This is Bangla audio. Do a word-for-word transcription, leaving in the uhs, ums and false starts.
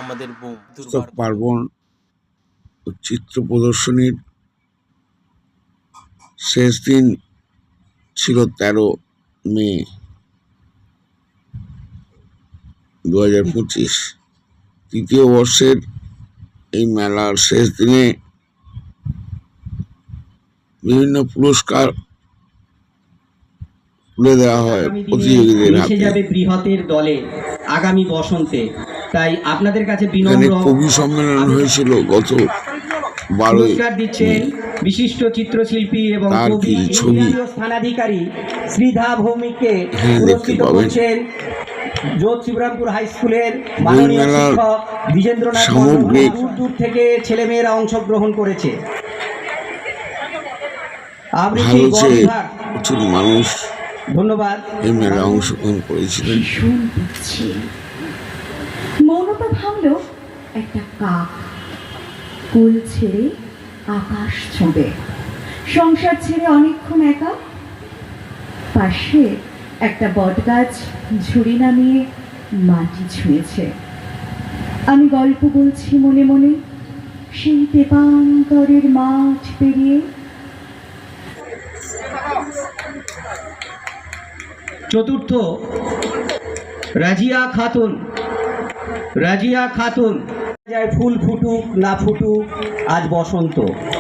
আমাদের পুস্তক পার্বণ ও চিত্র প্রদর্শনীর শেষ দিন ছিল তেরো মে দু হাজার পঁচিশ। তৃতীয় বর্ষের এই মেলার শেষ দিনে বিভিন্ন পুরস্কার তুলে দেওয়া হয় প্রতিযোগীদের হাতে। যাবে বৃহতের দলে আগামী বসন্তে, তাই আপনাদের কাছে বিনম্র কবি সম্মেলন হয়েছিল গত বারোই দিচ্ছেন বিশিষ্ট চিত্রশিল্পী এবং কবি স্থানাধিকারী শ্রীধা ভৌমিককে পুরস্কৃত করছেন যোধ শিবরামপুর হাই স্কুলের মাননীয় শিক্ষক দ্বিজেন্দ্রনাথ। দূর দূর থেকে ছেলেমেয়েরা অংশগ্রহণ করেছে। প্রচুর মানুষ ধন্যবাদ এই মেলায় অংশগ্রহণ করেছিলেন। মৌনতা ভাঙল একটা কাক, কুল ছেড়ে আকাশ ছোঁবে, সংসার ছেড়ে অনেকক্ষণ একা। পাশে একটা বটগাছ ঝুড়ি নামিয়ে মাটি ছুঁয়েছে। আমি গল্প বলছি মনে মনে সেই তেপান্তরের মাঠ পেরিয়ে। চতুর্থ রাজিয়া খাতুন। রাজিয়া খাতুন। ফুল ফুটুক না ফুটুক আজ বসন্ত।